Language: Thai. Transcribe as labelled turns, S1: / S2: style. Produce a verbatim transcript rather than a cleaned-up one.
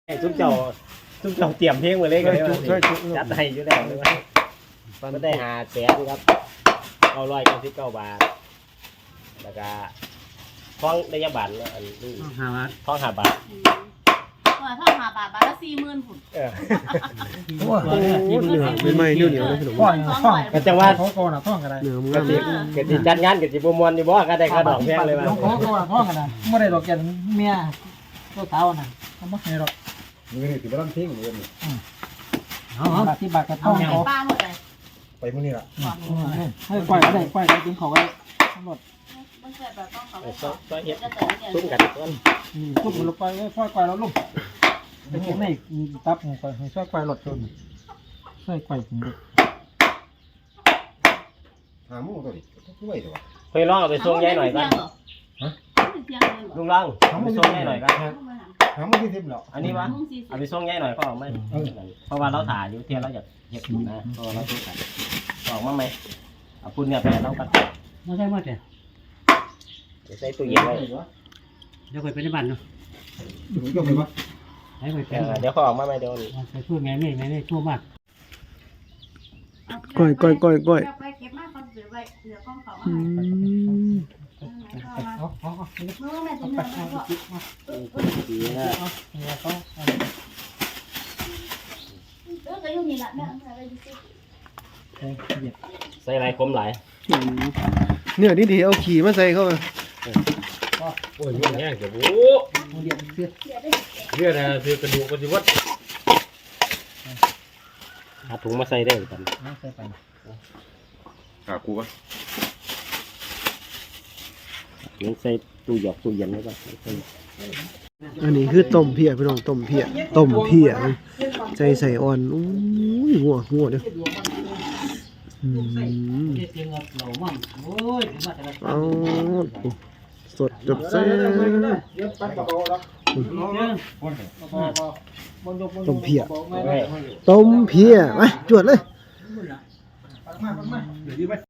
S1: ทุกเจ้าทุกเจ้าเตรียมเพลงมาเลยกันเลยจัดให้อยู่แล้วเลยว่ามันได้หาแสนครับเอาร้อยเก้าสิบเก้าบาทแล้วก็ท้องได้ยาบันอันนี้ห้าบาทท้องห้าบาท
S2: ว่าท่อหาบาทบาทละสี่หมื่นผุน
S1: เออ
S3: โอ้เหนือเป็นไม้เหนียวเหนียวเลยขนมก้อน
S1: ก้อนก็จังว่า
S3: ท้องก้อนท้องกันได้เหนือมึงนั่นเลย
S1: เกิดจัดงานเกิดจิบมวนอยู่บ่ก็ได้ค่าดอกแพงเลยว่า
S3: ท้องก้อนท้องกันนะไม่ได้ดอกแกนเมียตัวเท้าน่ะทำไม่ได้หรอก
S4: มือนี่ถือว่าต้องทิ้งมือนี่
S3: เอาเอาที่บาดกระท้องเขา
S2: ป้าหมดเลย
S4: ไปมือนี่ละ
S3: ให้ปล่อยก็ได้ปล่อยก็กินเขาไว้ทั้งหมด
S2: มันเกิดแบบต้องเขาไว้
S1: ก็ก็เฮ็ดซุ้มกันก้อน
S3: ทุกคนลงไปค่อยๆแล้วลูกไปเก็บในตับลงไปให้ช่วยไกวหลดจนช่วยไกวถึงลูก
S4: หาหมูตัวนี้ช่วยตัว
S1: เคยลองเอาไปส่งยายหน่อยกัน
S4: ฮะ
S1: ลุงลองเอาไปส่งยายหน่อยกัน
S4: หาหมูที่ทิพย์เหรอ
S1: อันนี้วะเอาไปส่งยายหน่อยก็เอาไหมเพราะว่าเราถ่ายอยู่เที่ยวเราอยากเห็ดนะเพราะเราต้องถ่ายออกมาไหมเอาปุ่นเนี่ยไปเรากัน
S3: ไม่ใช่มาแต่
S1: ใส่ตู้เย็นไว้
S3: เดี๋ยวไปเป็นบ้านเนาะ
S4: ถึงก็ไปวะ
S1: เดี๋ยวเขาออกมาไหมเดี๋ยว
S3: ไปช่วยแม่แม่แม่แม่ชั่วมาก
S2: ก้อยก้อยก้อยก้อยไปเก็บมากคนเหลือไว้เหลือกล้องเขามาให้เอาเอาเอาเมื่อแม่จะเหนื่อยแล้วก็เออก็ยุ่งนี่แหละแม่อะไรดิ
S1: ใส่อะไรคมหลาย
S3: เนี่ยนี่ดีเอาขี่มาใส่เข้า
S1: โอ้ยยุ่งแง่เดี๋ยวโอ้เลือดเลือดเลือดนะคือกระดูกกระดูกวัดหาถุงมาใส่ได้เหมือนกัน
S3: ใส่ไป
S4: หากูวะ
S1: ยังใส่ตู้หยอกตู้เย็นไว้ก่อน
S3: อันนี้คือต้มเพียพี่น้องต้มเพียต้มเพียใจใส่อ่อนอู้ยหัวหัวเด้อเอาสดจับเส้นต้มเพียต้มเพียมาจวดเลย